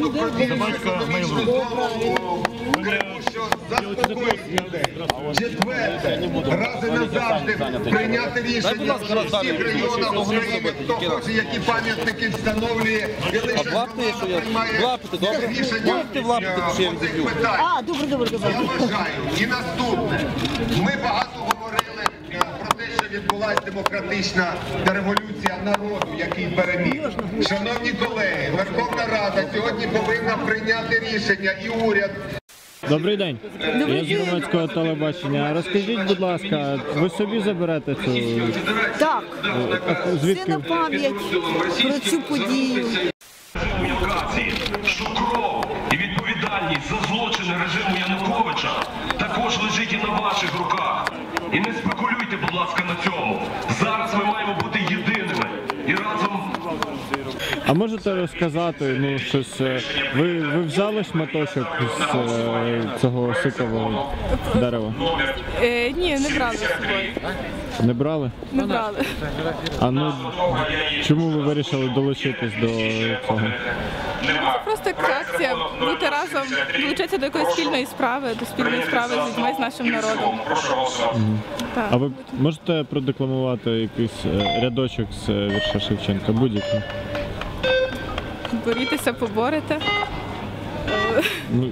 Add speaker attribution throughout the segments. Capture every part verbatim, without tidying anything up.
Speaker 1: Собачка Mail.ru.
Speaker 2: Четверте, раз і назавжди прийняти рішення в всіх регіонах України, хто хоче, які пам'ятники встановлює, і лише приймає рішення по цих питаннях. Я вважаю. І наступне. Ми багато говорили про те, що відбулася демократична революція народу, який переміг. Шановні колеги, Верховна Рада сьогодні повинна прийняти рішення і уряд.
Speaker 3: Добрий день. Я з громадського телебачення. Розкажіть, будь ласка, ви собі заберете цю...
Speaker 4: Так.
Speaker 3: Звідки?
Speaker 4: Це на пам'ять про цю подію.
Speaker 5: Що кров і відповідальність за злочини режиму Януковича також лежить і на ваших руках. І не спекулюйте, будь ласка, на цьому. Зараз ми маємо бути єдиними і разом...
Speaker 3: А можете розказати, ну, щось, ви, ви взяли шматочок з е, цього сикового дерева?
Speaker 6: Е, ні, не брали з собою.
Speaker 3: Не брали?
Speaker 6: Не брали.
Speaker 3: А ну, чому ви вирішили долучитись до цього?
Speaker 6: Це просто як акція, бути разом, долучитися до якоїсь спільної справи, до спільної справи з людьми, з нашим народом.
Speaker 3: Mm. А ви можете продекламувати якийсь е, рядочок з е, вірша Шевченка, будь-який?
Speaker 6: Борітеся, поборете.
Speaker 3: Ну...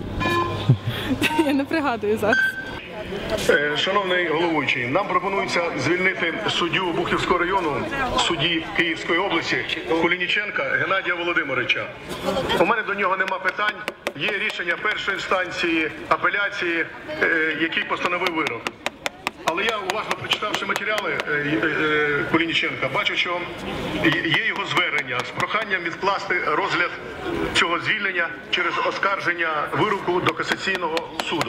Speaker 6: Я не пригадую зараз.
Speaker 7: Шановний головуючий, нам пропонується звільнити суддю Обухівського району, судді Київської області Кулініченка Геннадія Володимировича. У мене до нього нема питань. Є рішення першої інстанції апеляції, який постановив вирок. Але я, уважно прочитавши матеріали Кулініченка, бачу, що є його звернення з проханням відкласти розгляд цього звільнення через оскарження вироку до касаційного суду.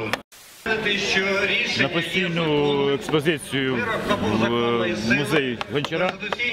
Speaker 1: На постійну експозицію в музей Гончара.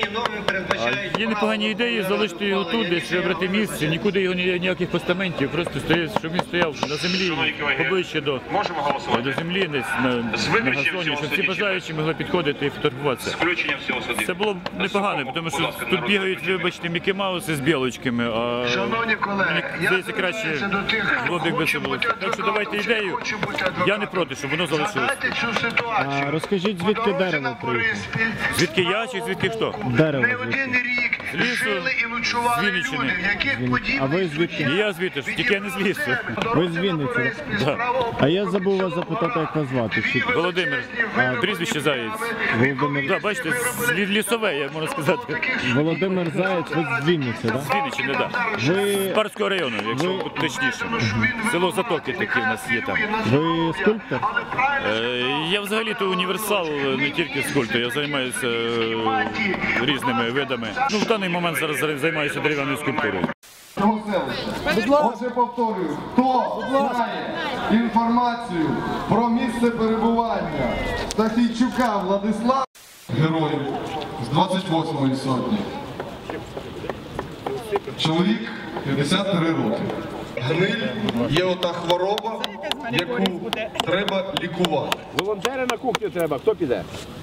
Speaker 1: А є непогані ідеї залишити його тут, десь вибрати місце, нікуди його ніяких постаментів, просто стоїть, щоб він стояв на землі, поближче до, до землі, десь на, на газоні, щоб всі бажаючі могли підходити і фотографуватися. Це було б непогано, тому що тут бігають, вибачте, Мікі Мауси з білочками, а мені здається краще було б, якби це було. Так що давайте ідею. Я не проти, щоб воно залишилося.
Speaker 3: А розкажіть, звідки дерево приїхало?
Speaker 1: Звідки я чи звідки хто?
Speaker 3: Дерево
Speaker 1: З лісу, з Вінниччини.
Speaker 3: А ви звідки?
Speaker 1: І я звідти, тільки я не з лісу.
Speaker 3: Ви з Вінниці?
Speaker 1: Да.
Speaker 3: А я забув вас запитати, як вас звати.
Speaker 1: Володимир, а, прізвище Заєць.
Speaker 3: Володимир.
Speaker 1: Да, бачите, з- лісове, як можна сказати.
Speaker 3: Володимир Заєць, ви з Вінниці, так?
Speaker 1: З Вінниччини, так.
Speaker 3: Ви,
Speaker 1: З Парського району, якщо бути точніше. Село Затоки таке в нас є там.
Speaker 3: ви скульптор?
Speaker 1: Е, Я взагалі-то універсал, не тільки скульптор, я займаюся е, різними видами. Ну, в даний момент зараз займаюся дерев'яною скульптурою.
Speaker 8: Отже, повторюю, хто знає інформацію про місце перебування Стахійчука Владислава, героїв з двадцять восьмої сотні. Чоловік п'ятдесят три роки. Гниль є ота хвороба, яку треба лікувати.
Speaker 9: Волонтери на кухню треба, хто піде?